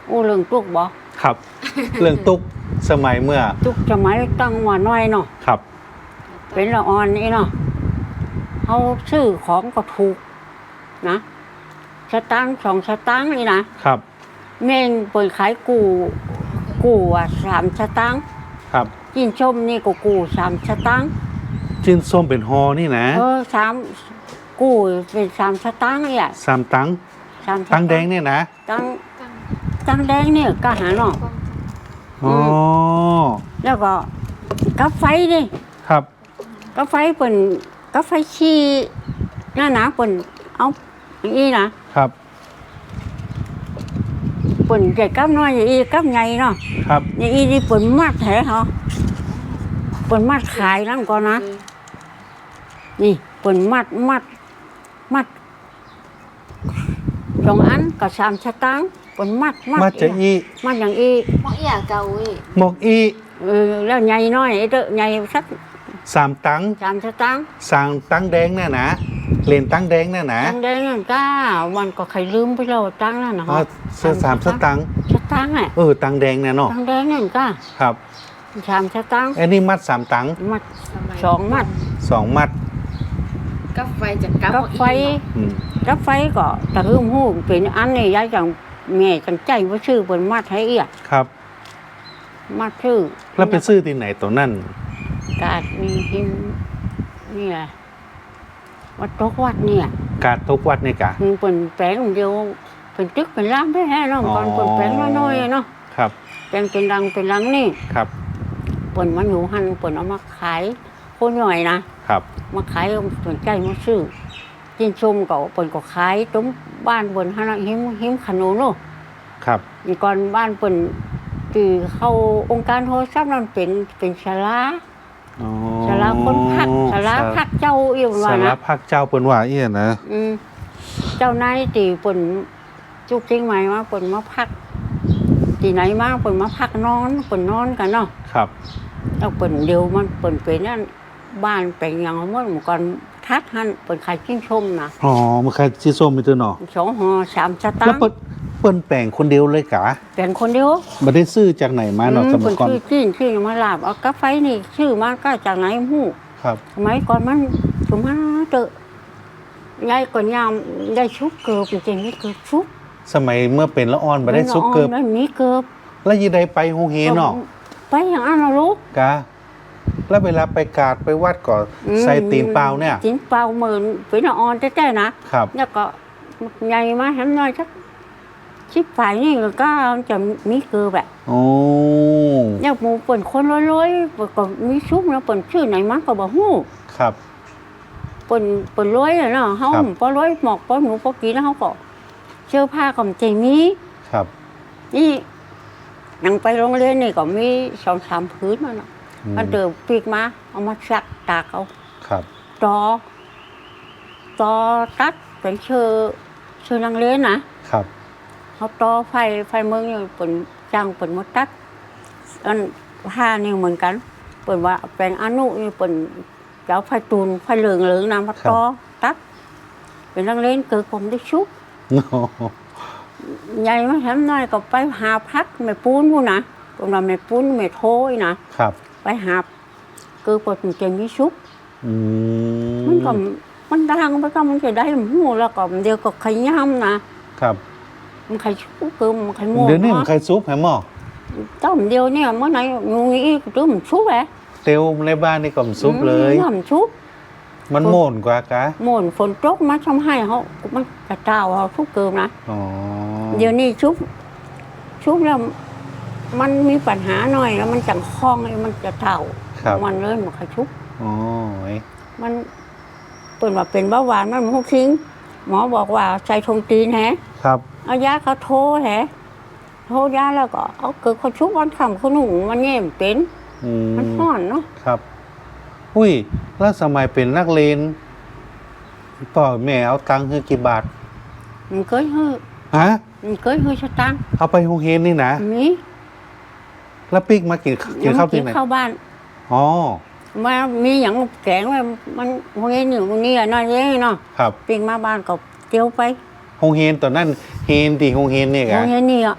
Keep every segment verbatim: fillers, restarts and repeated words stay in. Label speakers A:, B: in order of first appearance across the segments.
A: โอ้เรื่องตุกบ่
B: ครับ เรื่องตุกสมัยเมื่อ
A: ตุกสมัยตั้งว่าน้อยเนาะ
B: ครับ
A: เป็นละอ่อนนี่เนาะเขาซื้อของก็ถูกนะสตางค์สองสตางค์นี่นะครับเม่งเปิดขายกูกูอ่ะสามสตางค์
B: ครับ
A: กินชมนี่ก็กูสามสตางค์
B: จินส้มเป็นฮอนี่นะ
A: เออสามกูเป็นสามสตางค์เนี่ย
B: สามตังค์
A: สาม
B: ตังแดงเนี่ยนะ
A: ตังตังแดงเนี่ยก็หาเนาะ
B: อ๋อ
A: แล้วก็กาไฟนี่
B: ครับ
A: กาไฟเปิ่นกาไฟชีหน้าหนาเปิ่นเอาอย่างนี้นะครับเปิ่นใหญ่กับน้อยอย่างนี้กับใหญ่เนาะ
B: ครับ
A: อย่างนี้นี่เปิ่นมัดแท้เหรอเปิ่นมัดขายนั่นก่อนนะนี่เปิ่นมัดมัดมัดสองอันกับสามสตางค์เปิ่นมัด
B: มัดมัดจะอี
A: มัดอย่างอี
C: หมอกอีอ่ะเก่าอี
B: หมกอี
A: เออแล้วใหญ่น้อยไอ้เด้อใหญ่สัก
B: สามตังค์
A: สามสตางค์
B: สามตังค์แดงเนี่ยนะเลนตังค์แดงเนี่ยนะ
A: ตังค์แดงนั่นก้าวันก็ใครลืมไปแล้วตังค์นั่นนะ
B: อ๋อเสื้อสามสตังค์
A: สตางค์อ่ะ
B: เออตังค์แดงเนี่ยเนาะ
A: ตังค์แดงนั่นก้า
B: ครับ
A: สามสตางค์
B: ไอ้นี่มัดสามตังค์
A: มัดสองมัด
B: สองมัด
C: กาไฟจากกา
A: ไฟกาไฟก็ตะลึงหูเป็นอันนี้ย้ายจากแม่จังใจว่าชื่อเป็นมัดให้เอีย
B: ครับ
A: มัดชื่อ
B: แล้วไปซื้อที่ไหนตัวนั่น
A: กาดมีหิมนี่แหละวัดตกวัดเนี่ย
B: กาดตกวัดเนี่ยกะ
A: เป็นแปลงเดียวเป็นตึกเป็นร้านไม่แห้งเนาะก่อนเป็นแปลงน้อยๆเนาะ
B: ครับ
A: แปลงเป็นรังเป็นรังนี่
B: ครับ
A: เปิ่นมันอยู่หันเปิ่นเอามาขายคนหน่อยนะครับมาขายสนใจมาซื้อกินชมก็เปิ่นก็ขายตุ้มบ้านเปิ่นหันหิมหิมขนมเนาะ
B: ครับ
A: นี่ก่อนบ้านเปิ่นที่เข้าองค์การโทรศัพท์นั่นเป็นเป็นศาลาศาลาคนพักศาลาพักเจ้าเอี่ยมว่านะ
B: ศาลาพักเจ้าเปิ่นว่าเอี่ยนะ
A: อืมเจ้านายตีเปิ่นจุกจริงไหมว่าเปิ่นมาพักที่ไหนมาเปิ่นมาพักนอนเปิ่นนอนกันเนาะ
B: ครับ
A: แล้วเปิ่นเดียวมันเปิ่นเป็นนั่นบ้านเป็นอย่างเมื่อก่อนทัดหันเปิ่นขายจิ้งชมนะ
B: อ๋อมันขายจิ้งชมมีตัวหนอ
A: สองห่อสามสตางค์
B: แล้วเปิ่นเปิ่นแปลงคนเดียวเลยกะ
A: แปลงคนเดียว
B: ไม่ได้ซื้อจากไหนมาเนาะสมัยก่อน
A: ชื่อชื่อชื่อมาลาบเอากาแฟนี่ชื่อมาก็จากไหนหู้
B: ครับ
A: สมัยก่อนมันสมัยเตอะยายก่อนยามได้ชุบเกือบจริงๆนี่เกือบชุบ
B: สมัยเมื่อเป็นละอ่อนมาได้ชุบเกือบ
A: ไม่มีเกือบ
B: แล้วยีได้ไปโฮเฮเนาะ
A: ไปอย่างนั้นนะลูก
B: กะแล้วเวลาไปกาดไปวัดก่อนใส่ตีนเปล่าเนี่ย
A: ตีนเปล่าเหมือนเป็นละอ่อนแท้ๆนะครับแล้วก็ใหญ่มาทำน้อยสักชิบฝ่ายนี่ก็จะมีเกลือแบบ
B: โอ้
A: เนี่ยหมูเปิ่นคนร้อยๆก็มีชุบนะเปิ่นชื่อไหนมันก็บอกฮู้
B: ครับ
A: เปิ่นเปิ่นร้อยเนาะเขาพอร้อยหมอกพอหนูพอกินแล้วเขาก็เสื้อผ้าก็ใจมี
B: ครับ
A: นี่นั่งไปโรงเรียนนี่ก็มีสองสามพื้นมันมันเดินปีกมาเอามาซักตากเอา
B: ครับ
A: ตอตอตัดเป็นเชื่อเชื่อนังเรียนนะครับเขาต่อไฟไฟเมืองนี่เปิ่นจ้างเปิ่นมาตัดอันผ้านี่เหมือนกันเปิ่นว่าแปลงอนุนี่เปิ่นเจ้าไฟตูนไฟเหลืองเหลืองน้ำมาต่อตัดเป็นนังเรียนเกิดผมได้ชุบใหญ่มาทำน้อยก็ไปหาพักไม่ปูนพูนะตรงนั้นไม่ปูนไม่โถยนะครับไปหาคือปวดเจ็บมีชุบมันก็มันดังไปก็มันจะได้หูแล้วก็เดียวก็ขย้ำนะครับมันใครชุบคือมันใครโม่
B: เดี๋ยวนี้มันใครซุปแหมหมอ
A: ต้มเดียวเนี่ยเมื่อไหร่งูงี้ก็มันชุบแหละ
B: เตียวในบ้านนี่ก็มันซุปเลย
A: มันชุบ
B: มันโม่นกว่ากะ
A: โม่นฝนตกมาทำให้เขามันกระเจ้าเขาชุบเกินนะ
B: อ๋อ
A: เดี๋ยวนี้ชุบชุบแล้วมันมีปัญหาหน่อยแล้วมันจังคล้องเลยมันจะเท่ามันเลยมันใครชุบ
B: อ๋อ
A: มันเป็นว่าเป็นเบาหวานมันพวกทิ้งหมอบอกว่าใส่ทงตีนแฮะ
B: ครับ
A: เอายาเขาโทแฮะโทยาแล้วก็เอาเกิดเขาชุบวันคำเขาหนุ่มมันเงี้ยเป็นมันห่อนเนาะ
B: ครับอุ้ยแล้วสมัยเป็นนักเรียนพ่อแม่เอาตังค์ให้กี่บาท
A: มันเคยให้
B: ฮะ
A: มันเคยให้สตังค์
B: เอาไปโรงเรียนนี่นะ
A: มี
B: แล้วปิ๊กมากินกินข้าวที่ไหน
A: เข้าบ้าน
B: อ๋อ
A: มามีอย่างแกงว่ามันโรงเรียนอยู่นี่น่าเยอะเนาะ
B: ครับ
A: ปิ๊กมาบ้านก็เตียวไป
B: โรงเรียนตอนนั้นเฮนตีโรงเรียนนี่กะ
A: โรงเรียนนี่อ่ะ
B: โ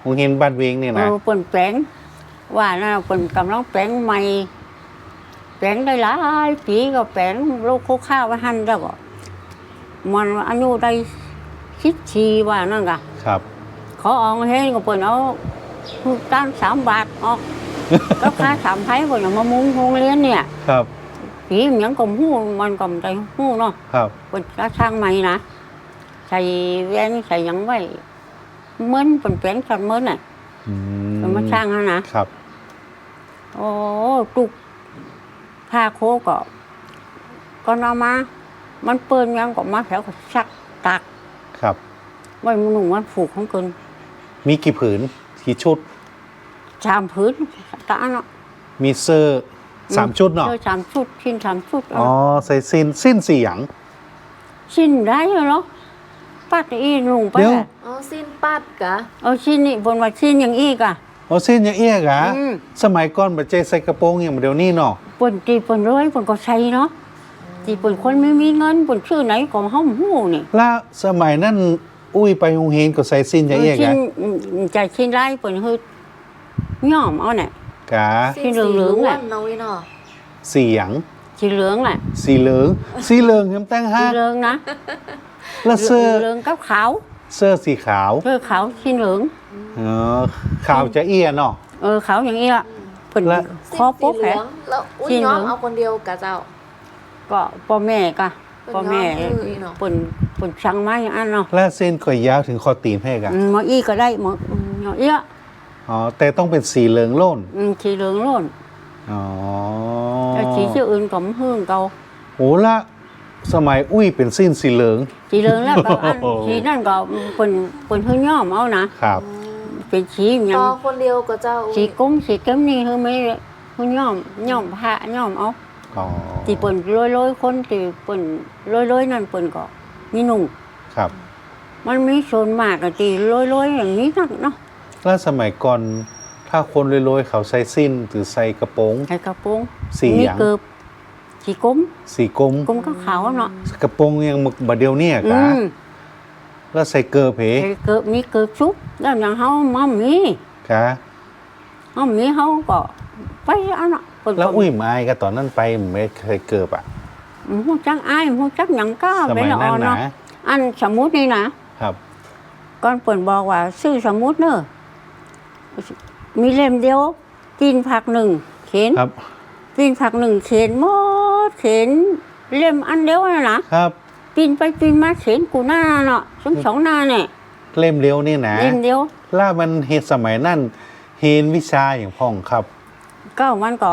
B: งเรียนบ้านเวงนี่
A: เอ
B: นะ
A: อเปิ่นแปลงว่าน่ะเปิ่นกำลังแปลงใหม่แปลงได้หลายปีก็แปลงโลกโคข้าวไว้หั่นแล้วก็มันอายุได้สิบสี่ว่านั่นกะ
B: ครับ
A: เขาเอาเฮ็ดก็เปิ่นเอาตั้งสามบาทออกก็ค่าสามไผเปิ่นเอามามุงโรงเรียนเนี่ย
B: ครับ
A: ปีมันยังก็ฮู้มันก็ได้ฮู้เนาะ
B: ครับ
A: เปิ่นก็สร้างใหม่นะใส่แว่นใส่หยังไว้เหมือนเปิ่นแปลงสันเหมือนน่ะ
B: อื
A: เพิ่นมาสร้างหั่นนะครับ โอ้ตุกผ้าโคก็ก็นำมา มันเปิ้นยังก็มาแถวก็ซักตาก
B: ครับ
A: ไว้มันหนุ่มมันผูกของเกิน
B: มีกี่ผืนกี่ชุด
A: สามพื้นตาเนาะ
B: มีเสื้อสามชุดเนาะ
A: เสื้อสามชุดชิ้นสามชุด
B: อ๋อใส่สิ้นสิ้นสี่หยัง
A: ชิ้นได้เหรอปัดอีลุงไป
B: เดี๋ยว
A: อะ
C: อ๋อสิ้นปัดกะ
A: เอาชิ้นนี้บนว่าชิ้นอย่างอีกอ่ะ
B: อ๋อสิ้นอย่างเอี้ยกะ
A: อืม
B: สมัยก่อนบัจเจใส่กระโปรงอย่างเดี๋ยวนี้เนาะ
A: ปนตีปนร้อยปนก็ใช้เนาะตีปนคนไม่มีเงินปนชื่อไหนก็ห้องหู้นี่
B: แล้วสมัยนั้นอุ้ยไปโรงเรียนก็ใส่สิ้นอย่างเอี้ย
A: ชิ้
B: กะ
A: นใจชิ้นไรปนฮืดย่อมเอาเนี่ย
B: กะ
A: สิ้นเหลืองๆ
C: ๆ
A: แหละ
C: เนาะวิเนาะ
B: สี่หยัง
A: สีเหลืองแหละ
B: สีเหลืองสีเหลืองยังแต่ง
A: สี
B: ห้า
A: เหลืองนะ
B: แล้วเสื้อ
A: เหลืองกับขาว
B: เสื้อสีขาว
A: เสื้อขาวสีเหลือง
B: เออขาวจะเอี้ยเนาะ
A: เออขาวอย่างนี้อ่ะเพิ่น
B: และ
A: คอโป๊ก
C: สิ้นสีเห
A: แผล
C: ลืองแล้วอุ้ย
A: สิ้นเหลื
C: ย้อ
A: อง
C: มเอาคนเดียวกะเจ้า
A: ก็พ่อแม่ก็
C: เพิ่น
A: พ่อแม่
C: ยอมซื้ออีเนาะ
A: เปิ่นเปิ่นสั่งมาอย่างนั้นเนาะ
B: และเส้นก็ยาวถึงคอตีนให้กะ
A: อืมหมออี้ก็ได้หมออืมหมอเอี้ย
B: อ๋อแต่ต้องเป็นสีเหลืองโล่น
A: อืมสีเหลืองโล้น
B: อ๋อ
A: แต่สีชื่ออื่นก็บ่ฮื้งเก่า
B: โหละสมัยอุ้ยเป็นสิ้นสีเหลือง
A: สีเหลืองแล้วก็อัน
B: โอ้โห
A: สีนั่นก็เปิ่นเปิ่นฮื้ย่อมเอานะครับ เป็นสีหยั
C: ต่
A: ง
C: อคนเดียวกะเจ้าอุ้ย
A: สีกุ้งสีเก้มนี่ฮื้อไม่ฮื้ย่อมย่อมผ้าย่อมเอา
B: อ๋อ
A: ที่เปิ่นลอยๆคนที่เปิ่นลอยๆนั่นเปิ่นก็มีนุ่ง
B: ครับ
A: มันมีส่วนมากก็ที่ลอยๆอย่างนี้นักเนาะ
B: แล้วสมัยก่อนถ้าคนรวยๆเขาใส่สิ้นหรือใส่กระโปรง
A: ใส่กระโปรง
B: สี
A: มี
B: หยัง
A: เกิบสีกุ้ม
B: สีกลม
A: กุ้มก็ขาวเนาะ
B: กระโปรงยังมึกบาเดียวเนี่ย
A: อื
B: กะ
A: ม
B: แล้วใส่เกลือเพ
A: ไอ้เกิดมีเกิดชุบแล้วอย่างเฮามามี
B: กะ
A: เฮามีเฮาก็ไปอันน่ะเพิ่นก็
B: แล้วอุ้ยไม้ก็ตอนนั้นไปไม่เคยเกิบอ่ะ
A: ฮู้จักอายฮู้จักหยังก็
B: ส
A: ไป
B: มัย
A: ละ
B: นั้
A: อ่อน น
B: นะ
A: เนาะอันสมมุตินี่นะครับ ก่อนเพิ่นบอกว่าซื้อสมมุติเด้อมีเล่มเดียวกินผักหนึ่งเข็น
B: ครับ
A: กินผักหนึ่งเข็นหมดเข็นเล่มอันเดียวน่ะนะครับ ปีนไปปีนมาเข็นกูหน้าเนาะสองสองหน้าเนี่ย
B: เล่มเลี้ยวนี่นะ
A: เล่มเดียว
B: ล่ามันเฮดสมัยนั้นเฮนวิชาอย่างพ่องครับ
A: ก็มันก็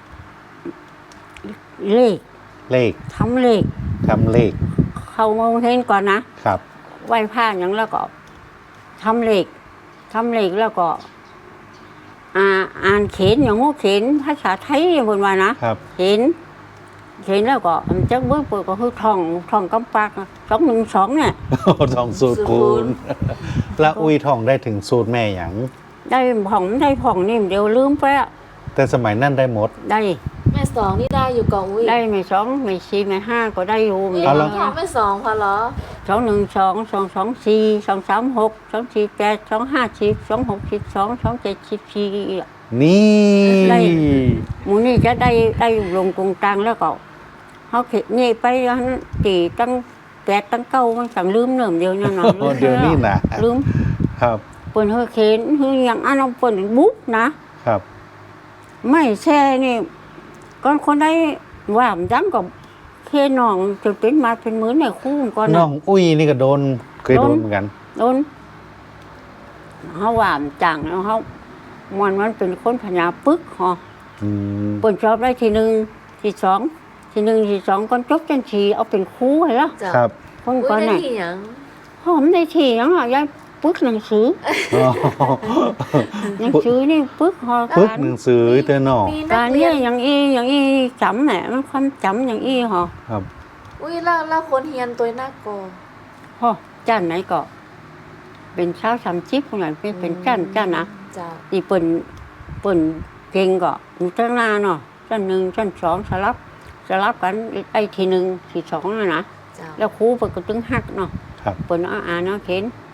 A: เลข
B: เลข
A: ทำเลข
B: ทำเลข
A: เข้าโรงเรียนก่อนนะครับ ไหว้พระอย่างแล้วก็ทำเลขทำเลขแล้วก็ อ่าอ่านเขียนอย่างงูเขียนภาษาไทยบนว่านะครับ เขียนเขียนแล้วก็อันจักเบิ้งเปิดก็คือท่องท่องกำปากสองหนึ่งสองเนี่ย
B: ท่องสูตรคูณ แล้วอุ้ยท่องได้ถึงสูตรแม่อย่าง
A: ได้ผ่องได้ผ่องนี่เดี๋ยวลืมไปอะ
B: แต่สมัยนั้นได้หมด
A: ได้
C: แม่สองนี่ได้อยู่กองอุ้ย
A: ได้ไม่สองไม่สี่ไม่ห้าก็ได้อยู่
C: อุ้ย
A: เดี๋ยว
B: เอาละ
C: พี่ของแม่สองพอเหรอ
A: สองหนึ่งสองสองสองสี่สองสามหกสองสี่แปดสองห้าสิบสองหกสิบสองสองเจ็ดสิบสี่
B: นี่
A: ได้ หมูนี่จะได้ได้ลงกรุงกลางแล้วก็เขาเข็ดนี่ไปอันตีตั้งแปดตั้งเก้ามันสั่งลืมเนิ่มเดียวเนี่ยนะ
B: โอ้เดี๋ยวนี้นะ
A: ลืม
B: ครับ
A: เปิ่นเฮอเข็นคืออย่างอันเอาเปิ่นบุ๊กนะครับ ไม่แช่นี่ก่อนคนได้ว่ามันจังกับเคน้องจนเป็นมาเป็นมื้อเนี่ยคู่ก่อน
B: น้อ
A: นะ
B: งอุ้ยนี่ก็โดนเคยโดน
A: โดน
B: เหมือนกัน
A: โดนเขาว่ามันจังแล้วเขามันมันเป็นคนพญาปึกฮะ
B: อืม
A: เปิ่นชอบได้ทีหนึ่งทีสองทีหนึ่งทีสองก่อนจบจันทีเอาเป็นครูให้ละ
C: เจ้า
B: ครับ
A: คน
C: อุ้
A: ก่อย น
C: ได้
A: น่ะ
C: ที่หยัง
A: หอมได้ทีหยังอ่ะยายปึกหนังสือ
B: อ๋อ
A: หนังสือนี่ปึกหอ
B: ปึ๊ก
A: การ
B: หนังสือเตอร์นอ
C: มีนั
A: กาก ร
C: เรี
A: เนี่ย
C: น
A: ยอย่างอีอย่างอีจำแหละมันความจำอย่างอีหอ
B: ครับ
C: อุ้ยแล้วแล้วคนเฮียนตัวหน้ากอ
A: หอจ้านไหนก็เป็นเช้าสามชิปคนไหนเป็นเป็นจ้านจ้านนะ
C: เจ้า
A: ที่เปิ่นเปิ่นเก่งก็อยู่ตั้งหน้าเนาะชั้นหนึ่งชั้นสองสลับสลับกันไอ้ทีหนึ่งทีสองน่ะนะ
C: เจ้า
A: แล้วครูเปิ่นก็ตึงหักเนาะ
B: ครับ
A: เปิ่นเอาอ่านเอาเขียน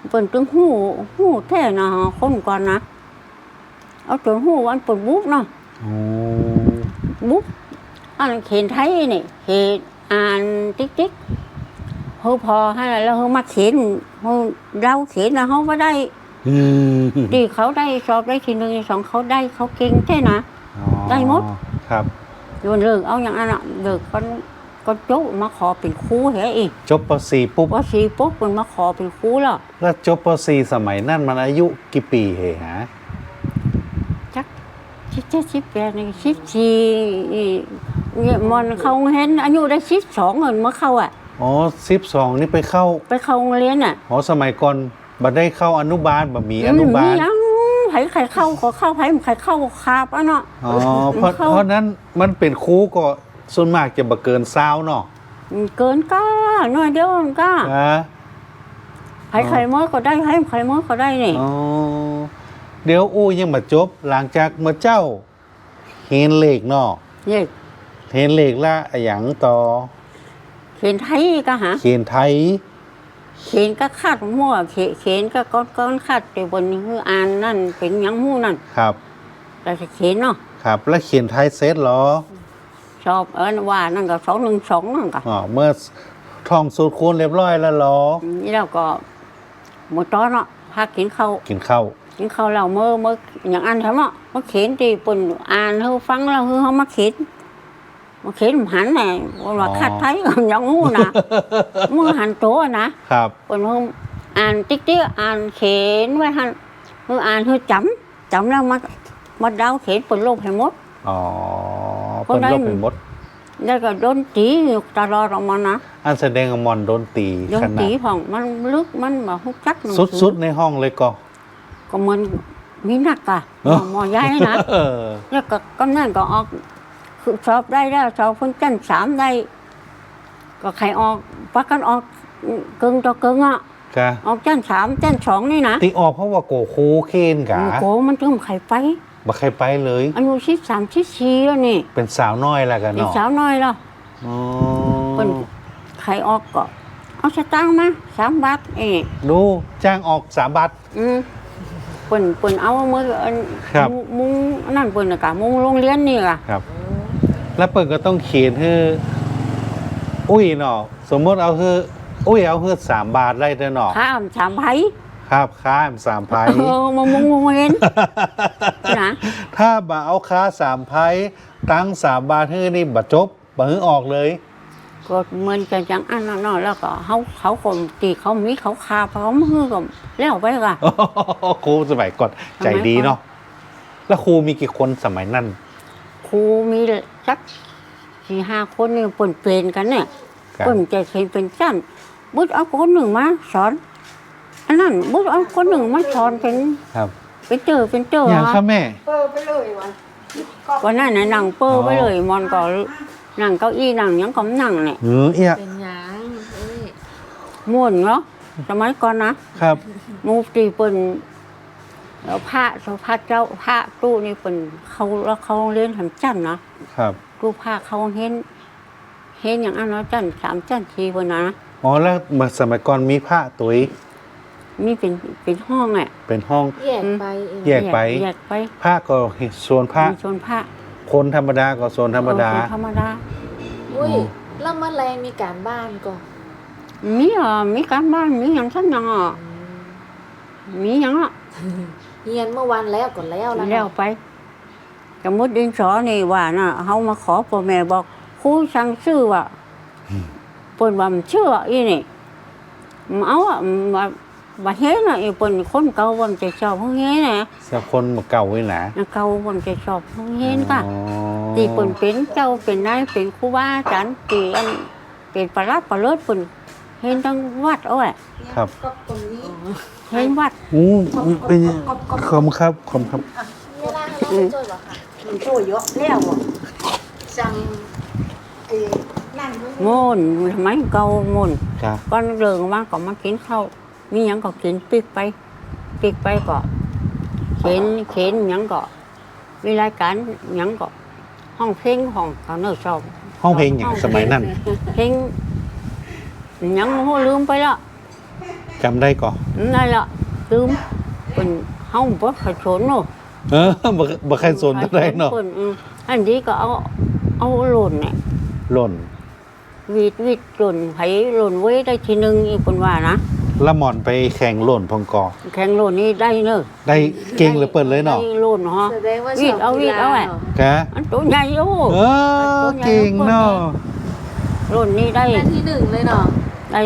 A: เปิ่นตึงหูหูแท้นะคนก่อนนะเอาจนหูวันเปิ่นบุ๊บเนาะ
B: โอ้
A: บุ๊บอันเขียนไทยนี่เขียนอ่านติ๊กติ๊กเฮาพอให้แล้วเฮามาเขียนเฮาเราเขียนนะเฮาบ่ได้
B: อืม
A: ดีเขาได้สอบได้ทีหนึ่งสองเขาได้เขาเก่งแท้นะ
B: อ๋อ
A: ได้หมด
B: ครับ
A: โยนเลิกเอาอย่างนั้นอ่ะเลิกก็ก็โจ๊กมาขอเป็นครูเหรออีก
B: จบป .สี่ ปุ๊บ
A: ว่าสีปุ๊บมันมาขอเป็นครูแล้ว
B: แล้วจบป .สี่ สมัยนั่นมันอายุกี่ปีเหฮะ
A: จักชิดเจ็ดสิบแปดนี่สิบสี่เนี่ยมันเขาเห็นอายุได้สิบสองเงินเมื่อเข้าอ่ะ
B: อ๋อสิบสองนี่ไปเข้า
A: ไปเข้าโรงเรียนอ่ะ
B: อ๋อสมัยก่อนบัดได้เข้าอนุบาลบัดมีอนุบาล
A: มียังไผใครเข้าขอเข้าไผใครเข้าคาบอ่ะเนาะ
B: อ๋อเพราะ
A: เข้า
B: เพราะนั้นมันเป็นครูก็ส่วนมากจะบ่เกินซาวเนาะ
A: เกินก้าหน่อยเดียวมันก้า
B: นะ
A: ไผใครม้อก็ได้ไผใครม้อก็ได้นี่
B: อ๋อเดี๋ยวอู้ยังมาจบหลังจากเมื่อเจ้าเห็นเลขเนาะ
A: เนี่ย
B: เห็นเลขละอะหยังต่อ
A: เขียนไทยก็หา
B: เขียนไทย
A: เขียนก็คาดมั่วเขียนเขียนก็ก้อนก้อนคาดแต่บนคืออ่านนั่นเป็นหยังหู้นั่น
B: ครับ
A: แต่จะเขียนเนาะ
B: ครับ แล้วเขียนไทยเสร็จเหรอ
A: ชอบเอิ้นว่านั่นก็สองหนึ่งสองนั่นก็
B: อ๋อเมื่อท่องสูตรคูณเรียบร้อยแล้วเหรอ
A: นี่เราก็หมดตอนเนาะพากินข้าว
B: กินข้าว
A: กินข้าวเราเมื่อเมื่ออย่างอันทำเนาะมาเขียนตีปุ่นอ่านเขาฟังแล้วคือเขามาเขียนมาเขียนหันแหน่ว่าคาดไทยก็ยังหู้นะมือหันโตนะครับ ปุ่นเขาอ่านติ๊กติ๊กอ่านเขียนไว้หันคืออ่านคือจำจำแล้วมามาเดาเขียนปุ่นโลกให้หมด
B: อ๋อ
A: คน
B: เป็น
A: นั้น
B: โรคเป็นมด
A: แล้วก็โดนตีอยู่ตลอดออกมานะ
B: อันแสดงว่ามอนโดนตี
A: โดน
B: ขนา
A: ตี
B: ด
A: ของมันลึกมันแบบฮุกจักหนัง
B: สุดๆในห้องเลยก็
A: ก็มันมีหนักอะหมอหมอย้ายนะ
B: เออ
A: แล้วก็กำนันก็ออกคือสอบได้แล้วสอบคนจันทร์สามได้ ก็ใครออกปักกันออกกึ่งต่อกึ่งอ่ะ
B: กะ
A: ออกจันทร์สามจันทร์สองนี่นะ
B: ตีออกเพราะว่าโกโคเคนกะ
A: โอ้โหมันถึงใครไป
B: บ่ใครไปเลย
A: อายุสิบสามสิบสี่แล้วนี่
B: เป็นสาวน้อยแล้วกัน
A: เป็น
B: เนาะ
A: สาวน้อยแล้ว
B: อ๋อ
A: เป็นใครออกก็เอาสตางค์มาสามบาทเอง
B: ดูจ้างออกสามบาท
A: อืมเปิ่นเปิ่นเอามืออัน
B: ครับ
A: มุงนั่นเปิ่นน่ะกะมุงโรงเรียนนี่กะ
B: ครับ แล้วเปิดก็ต้องเขียนให้อุ้ยเนาะสมมติเอาคืออุ้ยเอาคือสามบาทได้เด้อเนาะ
A: ข้ามสามไผ
B: ครับค้าสามไพ
A: เออมามุงโรงเรียนนะ
B: ถ้าบ่เอาค้าสามไพตั้งสามบาทให้นี่บ่จบบ่ให้ออกเลย
A: ก็เหมือนกันจังอันนั้นเนาะแล้วก็เขาเขาคนตีเขามีเขาคาเขามือก็แล้วไปกะ
B: ครูสมัยก่อนใจดีเนาะแล้วครูมีกี่คนสมัยนั้น
A: ครูมีสักสี่ห้าคนนี่เปิ่นเปลี่ยนกันเนี่ย
B: ครับ
A: เปิ่นจะเคยเป็นจันบุตรเอาคนหนึ่งมาสอนอันนั้นบุตรเอาคนหนึ่งมาสอนเป็น
B: ครับ
A: เป็นเจอเป็นเจอ
B: อย่างครับแม่
D: เปิดไปเลยวัน
A: วันนั้นน่ะนั่งเปอ
B: อ๋อ
A: ไปเลยมอนก็นั่งเก้าอี้นั่งหยังก็นั่งเนี่ย
B: เออเอีย
C: เป็นหยังเอ้ย
A: ม่วนเนาะสมัยก่อนนะครับ มูตีเปิ่นแล้วพระสุพระเจ้าพระตู้นี่เปิ่นเขาแล้วเขาเรียนทำจันนะครับ ตู้พระเขาเห็นเห็นอย่างอันเนาะจันสามจันทีเปิ่นนะ
B: อ๋อแล้วเมื่อสมัยก่อนมีพระตัวอีก
A: มีเป็นเป็นห้องอ่ะ
B: เป็นห้อง
C: แยกไปเอง
B: แยกไป
A: แยกไป
B: พระก็ส่วนพระ
A: มีชนพระ
B: คนธรรมดาก็ส่วนธรรมดา
A: เออคนธรรมดา
C: อุ้ยแล้วเมื่อแรงมีการบ้านก่อน
A: มีอ่ะมีการบ้านมีอย่างทั้งอย่างอ่ะมีอย่างอ่ะ
C: เฮียนเมื่อวันแล้วก่อนแล้วแล้ว
A: แล้วไปสมมติดินสอนี่ว่าน่ะเขามาขอพ่อแม่บอกครูสั่งซื้อว่าเปิ่นว่ามันเชื่ออีนี่มันเอาอ่ะมาบาเฮ็ดน่ะอีเปิ่นคนเก่าวันจะชอบเฮาเฮ็ดน่ะ
B: สักคนมาเก่าไว้นะ
A: เก่าวันจะชอบเฮาเฮ็ดค่ะ
B: อ๋อ
A: ตีเปิ่นเป็นเจ้าเป็นนายเป็นครูบาอาจารย์ตีอันเป็นประหลัดประเลิศเปิ่นเฮ็ดทั้งวัดเอาอ่ะ
B: ครับ
D: ก็ตรงนี้
A: เฮ็ดวัด
B: อู้เป็นยังขอบคุณครับขอบคุณครับ
C: เวลาเราไปช่วยเหรอคะ
D: มันโตเยอะแล้วอ่ะสั่งเอ้นั่งด้วย
A: โง่นทำไมเก่าโง่น
B: จ้า
A: ก่อนเริงมาก็มากินข้าวมีหยังก็กินปิกไปปิกไปก็เข็นเข็นหยังก็มีรายการหยังก็ห้องเพลงห้องเขาเนื้อชอบ
B: ห้องเพลงอย่างสมัยนั้น
A: เพลงหยังโหลืมไปและ
B: จำได้ก่อน
A: นั่นแหละลืมเป็นห้องบ่ขชนเนาะ
B: เออบ่บ่ใครสนเท่าไหร่เนาะ
A: พิ่อืมอันนี้ก็เอาเอาหล่นเนี่ย
B: หล่น
A: วีดวีดหล่นไผหล่นไว้ได้ทีนึงอีกคนว่านะ
B: ละหม่อนไปแข่งหล่นพองกอ
A: แข่งหล่นนี่ได้เนอะ
B: ได้เก่งเหลือเปิดเลยเนาะ
A: ได้หล่นฮะ
C: แสดงว่า
A: วีดเอาวีดเอาแหละ
B: แก
A: อันตัวใหญ่โอ้
B: เออเก่งเนาะ
A: หล่นนี่ได้
C: ได้ที่หนึ่งเลยเนาะ
A: ได้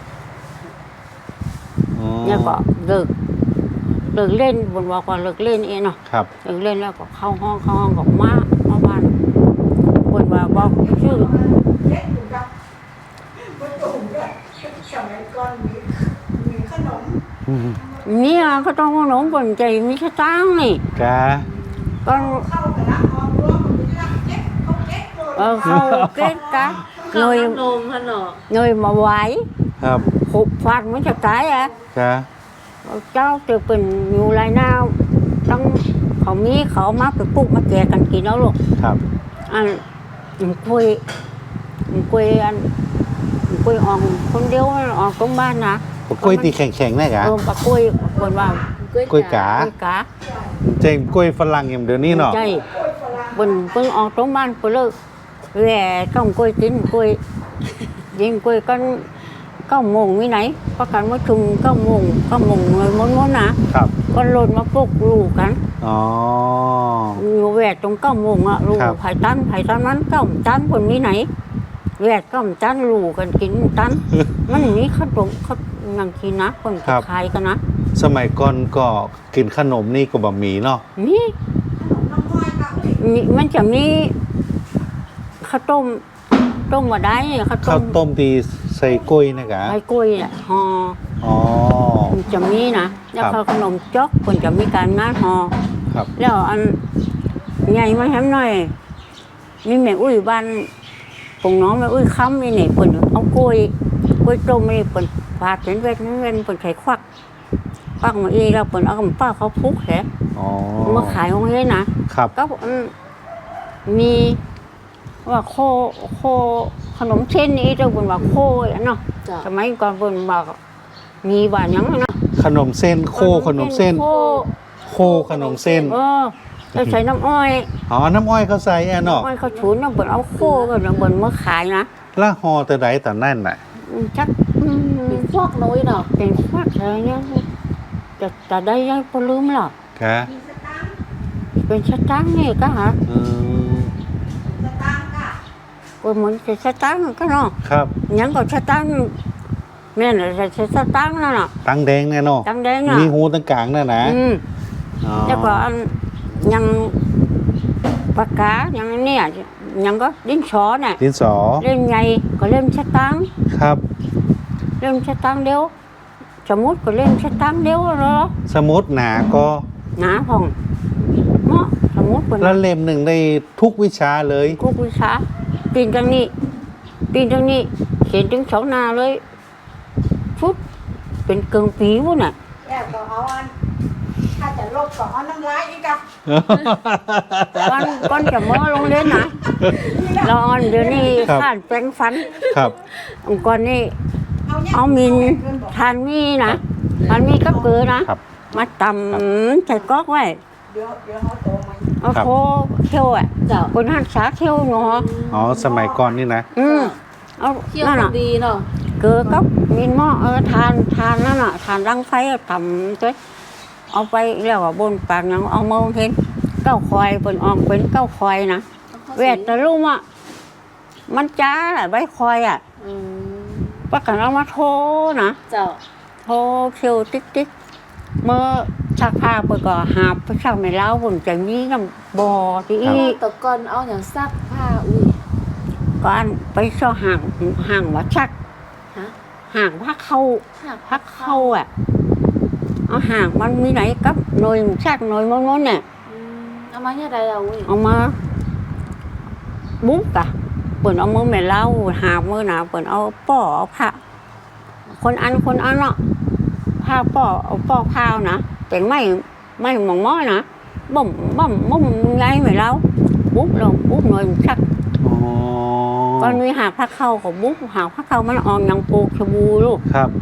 B: อ๋อ
A: เนี่ยก็เลิกเลิกเล่นบนบอกว่าเลิกเล่นเองเนาะ
B: ครับ
A: เลิกเล่นแล้วก็เข้าห้องเข้าห้องกับมามาบ้านบนว่าบอกชื่อ
D: เล็กอยู่กับประตูด้วยสมัยก่อนมีมีขนม
B: อืม
A: เนี่ยก็ต้องขนมบนใจมีสตางค์นี่
B: แก
A: ก็
D: เข้ากับน้ำออกรั้วมันเป็นรักเล็กเขาเล็กเลย
A: เออเข้าเก็ตกะ
C: ข้า
A: เง
C: วย นมฮะเนาะ
A: เงยมาไหว
B: ครับ
A: หุบฟาดมันจะตายอ่ะ
B: แก
A: เจ้าจะเป็นอยู่ไรหน้าต้องเขามีเขามาไปปลูกมาแจกกันกินแล้วลูก
B: ครับ
A: อันมันคุยมันคุยอันมันคุยออกคนเดียวออกตรงบ้านนะ
B: ปกล้วยตีแข็งๆแน่กะ
A: เออปะคุยคนว่า
B: กล้วยกา
A: คุยกา
B: เจ๋งกล้วยฝรั่งอย่างเดี๋ยวนี้เนาะ
A: ใช่บนเพิ่งออกตรงบ้านไปเลยแหว่ต้องคุยกินคุยยิงคุยกันเก้าโมงวิไหนประกันว่าชุมเก้าโมงเก้าโมงเลยม้วนๆนะครับ ก็หล่นมาปลุกลูกกัน
B: อ๋อ
A: อยู่แหวกตรงเก้าโมงอะลูก
B: ครับ
A: ไผ่ตันไผ่ตันนั้นเก้าตันคนมีไหนแหวกเก้าตันลูกกันกินตัน มันอย่างนี้เขาตรงเขานังกินนะคนจะขายกันนะ
B: สมัยก่อนก็กินขนมนี่ก็บะหมี่เนาะ
A: นี่
D: น้ำอ้อยกับอุ้ย
A: มีมันจะมีข้าวต้มต้มมาได้ข้าว
B: ข้า
A: ต้
B: ว
A: ม
B: ต้มตีใส่กล้วยนะกะ
A: ไอ้กล้วยอะห่อ
B: อ๋อ
A: มันจะมีนะแล้ว
B: ครับ
A: เขาขนมจอกคนจะมีการงานห่อ
B: ครับ
A: แล้วอันใหญ่มาแฮมหน่อย มีแม่อุ้ยบ้านปงน้องแม่อุ้ยค้ำนี่นี่เปิ่นเอากล้วยกล้วยต้มนี่เปิ่นฟาดเป็นเวทเป็นเวทเปิ่นไข่ควักควักมาอีแล้วเปิ่นเอากับป้าเขาพุกแหละ
B: อ๋อ
A: มาขายของเฮ้ยนะครับ ก็อันมีว่าโคโคขนมเส้นนี่เจ้าเปิ่นว่าโคอันเนาะ
C: จ้ะ
A: สมัยก่อนเปิ่นบอกมีว่าหยังเนาะ
B: ขนมเส้นโคขนมเส้น
A: โค
B: โคขนมเส้น
A: เออแล้วใส่น้ำอ้อย
B: อ๋อ น้ำอ้อยเขาใส่แอนเนาะ
A: อ้อยเขาฉุนน้ำเปิ่นเอาโคก็น้ำเปิ่นมาขายนะ
B: ละฮอแต่ใดแต่นั่นน่ะ
A: อืมจักอืม
C: เป็นพวกน้อยเนาะ
A: เป็นควักอะไรเนี่ยจะจะได้ยังพอลืมหรอก
B: กะ
D: มีสตางค์
A: เป็นสตังค์นี่ก็หา
B: อืม
D: สตางค์ค่ะ
A: ก็เหมือนจะสตังค์ก็เนาะ
B: ครับ
A: ยังก็สตังค์แม่น่ะจะสตังค์นั่นน่ะ
B: ตังแดงแน่เนาะ
A: ตังค์แดงน่ะ
B: มีหูตั้งกลางน่ะนะ
A: อืม
B: อ๋อ
A: แล้วก็อันยังปากกายังเนี่ยยังก็ดินสอเนี่ย
B: ดินสอ
A: เล่มใหญ่ก็เล่มสตังค์
B: ครับ
A: เล่มสตังค์เดียวสมมุติก็เล่มสตังค์เดียวเหรอ
B: สมุดหนาก็
A: หนาพองเนาะสมมุติเป็น
B: แล้วเล่มหนึ่งได้ทุกวิชาเลย
A: กุกวิชาปีนทางนี้ปีนทางนี้เขียนถึงสองหนาเลยฟุตเป็นเกิงปีวะน่ะ
D: แล้วก็เอาอันถ้าจะลบก็เอาน้ำลายอีกกับ
A: ก้อนก้อนจะมอลงเล่นนะรออนเดี๋ยวนี้
B: ครับ
A: ข้านแปลงฟัน
B: ครับ
A: องค์ก่อนนี่
D: เอาเนี่ย
A: เอามินทานมีนะทานมีก็เกลือนะ
B: ครับ
A: มาตำใส่ก๊อกไว้
D: เดี๋ยวเดี๋ยวเขาโตมา
A: เอา
B: ครับ
A: โคเคี่ยวอ่ะ
C: เจ้า
A: บนหันสาเคี่ยวเนาะ
B: อ๋อ สมัยก่อนนี่นะ
A: อืมเอา
C: เคี่ยว
A: นั่น
C: คน
A: น่ะ
C: ดีเนาะ
A: เกลือก็มินหม้อเออทานทานนั่นน่ะทานรังไฟเอาตำด้วยเอาไปแล้วก็บนปากยังเอามาเห็นเก้าคอยบนออกเป็นเก้าคอยนะเวทแต่ลุงอ่ะมันจ้าแหละใบคอยอ่ะ
C: อืม
A: ประกันเอามาโทรนะ
C: เจ้า
A: โทรเคียวติ๊กติ๊กเมื่อชักผ้าไปก็หาบไปชักไม่เล้าบนจะมีน้ำบ่อที่อี
C: ตะกอนเอาอย่างซักผ้าอุ้ย
A: ก่อนไปซ่อห่างห่างว่าชัก
C: ฮะ
A: ห่างพักเข้า
C: หัก
A: พักเข้าอ่ะเอาห่างมันมีไหนกับหน่วยชักหน่วยมันมันเนี่ย
C: อืมเอามาเนี่ยใดเอาอุ้ย
A: เอามาบุ๊กอะเปิดเอามือแม่เล้าหามือหนาเปิดเอาป้อเอาผ้าคนอันคนอันเนาะผ้าป้อเอาป้อผ้านะแต่ไม่ไม่หมองม้อนะบ่มบ่มบ่มไงแม่เล้าบุ๊กลงบุ๊กหน่วยชัก
B: อ๋อ
A: ก่อนมีหาพักเข้าของบุ๊กหาพักเข้ามันออกยังปลูกชะบูลูก
B: ครับ
A: บ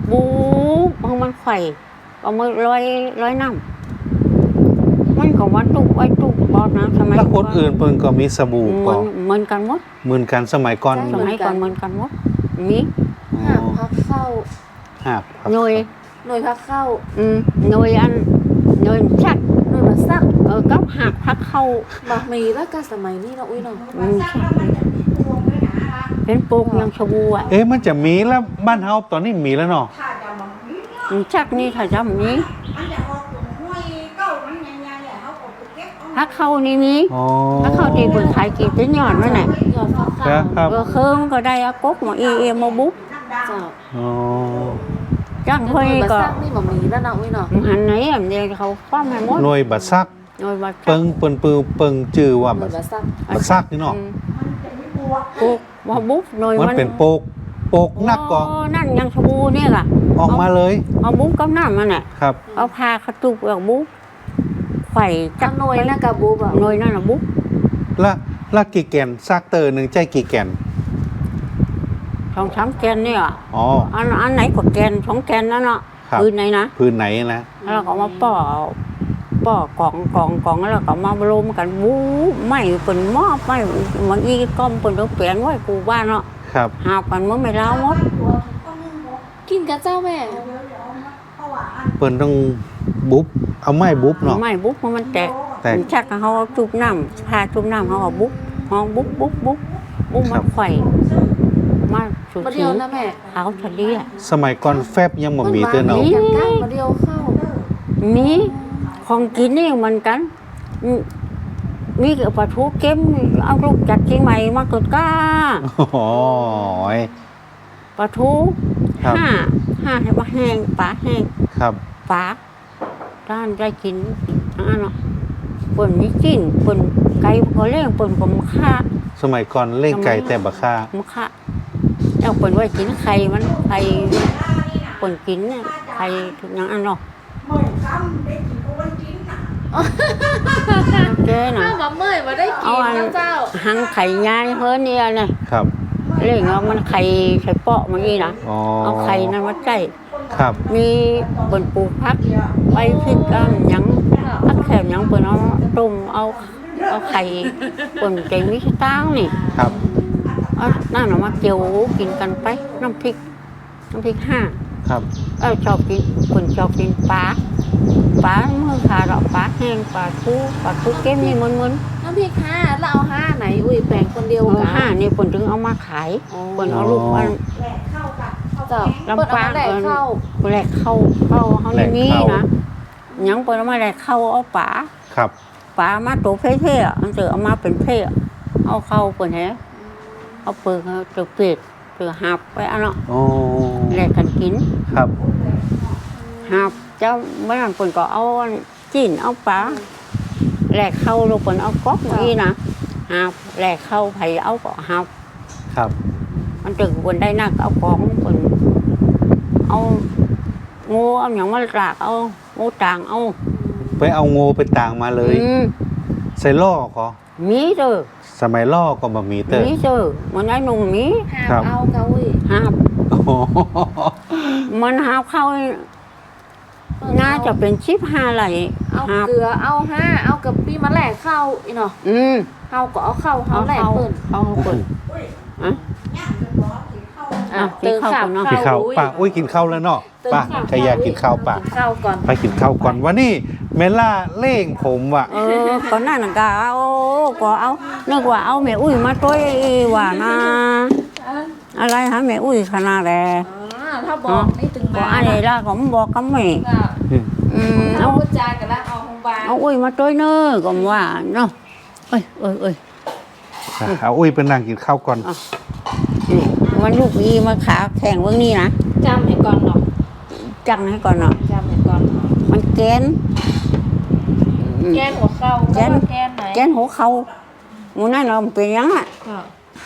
A: บูบเอามันไข่เอามือลอยลอยน้ำมันก็ว่าตุกไว้ตุกบอดนะสมัย
B: แล้วคนอื่นเพิ่นก็มีสบู่
A: เห
B: ก็
A: มือนเหมือนกันหมด
B: เหมือนกันสมัยก่อน
A: สมัยก่อนเหมือนกันหมดมี
C: หามพักเข้า
B: หาบครับ
A: หน่วย
C: หน่วยพักเข้า
A: อืมหน่วยอันหน่วยชัก
C: หน่วยมาซัก
A: เออก็หักพักเข้า
C: บะหมี่แล้วก็สมัยนี้เนาะอุ้ยเนาะ
D: มันซักแล้วมันจะมีพวงด้วยนะ
A: เป็นปลูกยังชบูอ่ะ
B: เอ๊ะมันจะมีแล้วบ้านเฮาตอนนี้มีแล้วเนาะ
D: ถ้าจะมันมีเนาะ
A: อืมชักนี่ถ้าจำนี้
D: มันจะออกตรงห้วยเก้ามันยังยังเนี่ยเขาก็ไปเก็บเอา
A: พักเข้านี่มี
B: อ๋อ
A: พักเข้าที่เปิดขายกี่เป็นยอดนั่นแหละ
C: ยอดพัก
B: ครั
C: เข้า
B: บครับ
A: เออเคิมก็ได้อะกกมาเอเอมาบุ๊ก
D: น้ำดำ
C: เจ้า
B: อ๋อ
A: จ้าง
C: หน่
A: เฮ้
C: วย
A: ย
C: มา
A: ก็
C: ซักนี่บะหมี่แล้วเนาะอุ้ยเนาะ
A: หันไหนอ่ะเดี๋ยวเขาฟ้าให้หมด
B: หน่วยบัดซัก
A: หน่วยบัตร
B: เปิงเปิ้นปือเปิงจื้อว่า
C: หน่
B: บั
C: วย
B: ด
C: มาซัก
B: บัดซักนี่เนาะ
A: อืม
D: มันจะมีพวง
A: ปลูกมาบุ๊กหน่วย
B: มัน
A: มัน
B: เป็นโปกโปกนักก็
A: โนั่นยังชบูเนี่ยล่ะ
B: ออกมาเลย
A: เอาบุ๊กกับน้ำมันน่ะ
B: ครับ
A: เอาพาเขาตุกเอาบุ๊กไข่
C: จั
A: จั
C: ง
A: ก
C: หน่วยนะกะบูบะ
A: หน่วยนั่นน่ะบุ๊ก
B: ละละกี่แกนซักเตอร์หนึงใจกี่แกน
A: สองสามแกนเนี่ย
B: อ๋อ
A: อันอันไหนก็แกนสองแกนนั่นเนาะ
B: ครับ
A: พื้นไหนนะ
B: พื้นไหนนะ
A: แล้วเราก็มาป่อป่อกล่องกล่องกล่องแล้วเราก็มารวมกันบู๊ไม่เป็นหม้อไม่มันอีก้อมเป็นตัวเปลี่ยนไว้กูบ้านเนาะ
B: ครับ
A: หากันมันไม่เล่าหมด
D: ตัวต้องนึ่งหมด
C: กินกับเจ้าแม่
D: เดี๋ยวเดี๋ยวเอามาเพราะว่าอัน
B: เปิ้นต้องบุ๊บเอาไม้บุ๊บเนาะ
A: ไม่บุ๊กมันแตก
B: แตก
A: ชักเขาเอาจุบน้ำพาจุบน้ำเขาเอาบุ๊กห้องบุ๊กบุ๊กบุ๊กบุ๊ก
B: ครั
A: มัน
B: บ
A: ไข่มาสุด
C: มาเดี
A: ที
C: ยวนะแม่
A: เขาทะเลอะ
B: สมัยก่อนแฟบยังบ่มีเตื้อเนาะ
C: พิ่นว่ามีกันก้างมาเดียวเข้า
A: มีของกินนี่เหมือนกันอืมมีกับปลาทูเค็มเอาลูกจากเชียงใหม่มาเกิดก้า
B: โอ้ย
A: ปลาทู
B: ครับ
A: ห้าห้าให้ว่าแห้งปลาแห้ง
B: ครับ
A: ปลาด้านได้กินทั้งนั้นเนาะเปิ่นมีจิ้นเปิ่นไก่พอเลี้ยงเปิ่นก็มาฆ่า
B: สมัยก่อนเล่นไก่แต่บักค่า
A: มาฆ่าแล้วเปิ่นไว้กินไข่มันไข่เปิ่นกินเนี่ยไข่ทุกอย่างอันเนาะ
D: เหมือนซ้ำได้กินก็วันจิ้นน่ะ
A: เจ๊น่ะ
C: อ้าวมาเมื่อยมาได้กินนะเจ้า
A: หังไข่ยายเฮิรนเนี่ยเนี่ย
B: ครับ
A: เลี้ยงเอามันไข่ไข่เปาะมาอีนะ
B: อ๋อ
A: เอาไข่นั้นมาใส่
B: ครับ
A: มีเปิ่นปลูกพักไว้พริกกันหยังพักแถมหยังเปิ่นเอาต้มเอาเอาไข่เปิ่นใจมิสตางค์นี่
B: ครับ
A: เอานั่นเอามาเจียวกินกันไปน้ำพริกน้ำพริกห้า
B: ครับ
A: เออชอบกินคนชอบกินปลาปลาเมื่อขาดอกปลาแห้งปลาทูปลาทูเก็มนี่มันมัน
C: น้ำพริกห้าแล้วเอาห้าไหนอุ้ยแบ่งคนเดียว
A: เออ
C: กัน
A: ห้านี่คนถึงเอามาขาย
C: อ๋อ
A: คนเอาลูกอัน
D: แหลกเข้ากับเข้า
C: เจ้า
D: แกง
C: เปิดเอามาแดกเข้า
A: แหลกเข้าเข้าเขาในนี้นะหยังเปิดเอามาแหลกเข้าเอาปลา
B: ครับ
A: ปลามาตัวเพ่เพ่อันเจอเอามาเป็นเพ่เอาเข้าเปิดแฮะเอาเปิดเอาเจอเป็ดเจอหับไปอันเนาะ
B: โอ้
A: แหลกกันกิน
B: ครับ
A: หับเจ้าไม่นั่นคนก็เอาจิ้นเอาปลาแหลกเข้าลูกคนเอาก๊อกนี่นะหับแหลกเข้าไผเอาก็หับ
B: ครับ
A: มันถึงคนได้นักเอาของคนเอางูเอาอย่างมาลากเอางูต่างเอา
B: ไปเอางูไปต่างมาเลย
A: อืม
B: ใส่ล่อก็
A: มีเด้อ
B: สมัยล่อก็บ่มีเตอร์
A: มีเด้อมันได้หนุ่มมี
C: ห้า
B: ครับ
C: เอาเกาอุ้ย
A: หับ
B: โอ้โห
A: มันหาเข้าน่าจะเป็นชิปห้าไหล
C: เอา
A: หาบ
C: เกลือเอาห้าเอากับปีมาแหลกเข้าอีเนาะ
A: อืม
C: เฮาก็เอาเข้าเฮา
A: เอา
C: แหลก
A: เข้า
C: เปิ่น
A: เอาเปิด
D: อุ้ย
A: อ่ะ
D: ย่างเป็นบอสที่เข้า
A: อ่ะ
C: เติม
A: กินข้าว
C: ข้าว
A: ก่อนเนาะ
B: กินข้าว
C: อุ้ย
B: ป่าอุ้ยกินข้าวแล้วเนาะ
C: เติม
B: ป่า
C: ข้าว
B: ใครอยากกินข้าวป่า
C: กินข้าวก่อน
B: ไปกินข้าวก่อนวันนี้เมล่าเล่งผมว่ะ
A: เออก่อนหน้านั้นก็เอาก็เอานึกว่าเอาแม่อุ้ยมาต้วยว่านะอะไรฮะแม่อุ้ยขนาดแล
C: อ๋อถ้าบอกนี่ถึง
A: ก็
C: มา
A: อันนี้ละก็บอกกับแม่
C: ก็
A: อืม
C: เอา
A: เอา
C: พูดจากันแล้วเอาของบา
A: เอาอุ้ยมาต้วยเนอะก็ว่าเนาะเอ้ยเอ้ยเอ้ย
B: เอาอุ้ยเป็นนางกินข้าวก่อน
A: นี่มันลูกอีมาขาแข่งเบื้องนี้นะ
C: จำให้ก่อนเนาะ
A: จังให้ก่อนเนาะ
C: จำให้ก่อนเนาะ
A: มันแกนอืม
C: แกนหัวเข้า
A: แกน
C: ก็ว่าแกนไหน
A: แกนหัวเขาหมูนั่นเราะมันเป็นยังอ่ะ
C: ค่ะ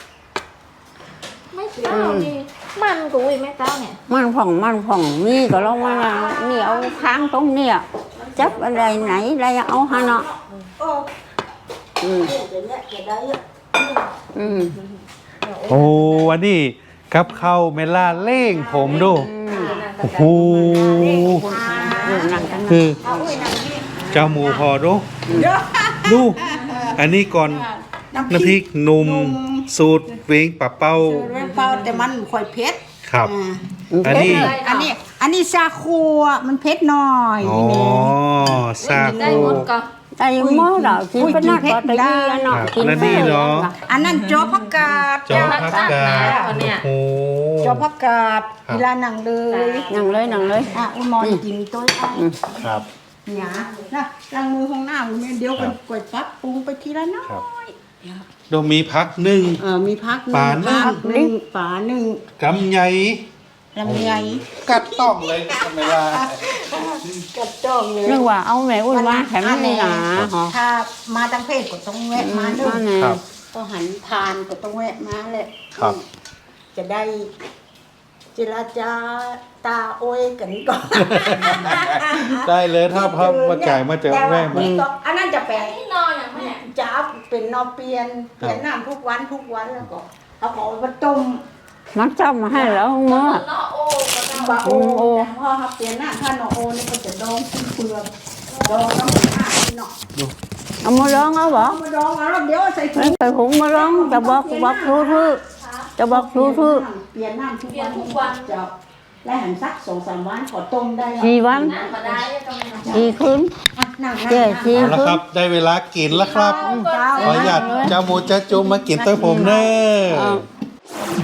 C: ไม่เต้านี่มันกูอุ้ยไม่เต้าเนี่ย
A: มันผ่องมันผ่องนี่ก็ลองมานะนี่เอาค้างตรงเนี้ยจับอะไรไหนอะไรเอาฮะเนาะ
D: โอ้
A: อืม
D: เดี๋ยวเนี่ยจะได้อะ
A: อืม
B: โอ้วันนี้กับข้าวเมล่าเล่งผมดู
A: อืม
C: นางกระ
B: โอ้โห
A: อยู่นั่งกันนะ
B: คือ
D: เอาอุ้ยนางนี่
B: เจ้าหมูพอดู
D: เยอะ
B: ดู อันนี้ก่อนน้ำพริกหนุ่มสูตรเวงปะเป้า
D: เรื่องเปล่าแต่มันค่อยเผ็ด
B: ครับ
D: อ่า
B: อันนี้
D: อันนี้ อันนี้ซาคูอ่ะมันเผ็ดหน่อย
B: อ๋อ
D: นี่
B: ซา
C: ได้
B: โค
C: หมดก็
A: ไอ้หม้อเรากินไปนักก็ตะกี้แล้วเนาะ
B: ครับ
A: กิน
B: แล้วนี่เนาะ
D: อันนั้นจอผักกาด
B: จอพักกาดโอ้โห
D: จอผักกาด
B: ครับ
D: เวลาหนังเลย
A: นั่งเลยนั่งเลย
D: อ่ะอุ้ยมอนกินตัวไอ้
B: ครับ
D: หยานะล้างมือห้องหน้าอุ้ยแม่เดี๋ยว
B: ครั
D: กับ นกดปั๊บปรุงไปทีละน้อ
B: ครับ
D: ย
B: โดมีพักหนึ่ง
D: เออมีพัก
B: ปลาหนึ่ง
D: พักหนึ่งปลาหนึ่ง
B: กำไย
D: ลำไย
B: กัดต้องเลยทำไมล่ะ
D: กับจ้องเลย
A: นึกว่าเอาแม่อุ้ยมาแถมนี่หนาหอ
D: ถ้ามาทางเพศก็ต้องแวะมาเด้
A: นั่น
D: อ
A: แน่
B: ครับ
D: ก็หันทานก็ต้องแวะมาแหละ
B: ครับ
D: จะได้เจรจาตาโอยกันก่อน
B: ได้เลยถ้าพับมาไก่มาเจอแม่มา
D: นี่ก็อันนั้นจะแปลง
C: นี่นอนอย่างแม่
D: จะเอาเป็นนอเปลี่ยนเปลี่ยนน้ำทุกวันทุกวันแล้วก็เอาของมาต้ม
A: มันจำมาให้แล้วหม้อ
C: นอโอ้ก็ได้
D: บะโอ
A: โอ้
D: แต่พอเขาเปลี่ยนน้ำถ้านอโอนี่ก็จะดองขึ้นเปลือกดองน้ำมันอ่านเนาะ
A: เอามาร้องเอาบ่
D: เอามาดองเอาแล้วเดี๋ยวใส่ถุ
A: ไม่
D: ง
A: ไปหุงมาร้องจะบอกบอกทูทูจะบอกทูทู
D: เปลี่ยนน้ำทุกวันทุกวันจะและหันสักสองสามวันขอต้มได้
A: สี่วัน
C: น้ำมาได้ก็ไม่ต้อง
A: สี่คืน
D: อ่ะนั่งนั่ง
A: เจ๊
D: นั่ง
A: สี่
B: เอาละครับ ได้เวลากินแล้วครับ
D: เจ้า
B: ขออนุญาตเจ้าหมูเจ้าจุ่มมากินตัวผมเนอะ
A: เอา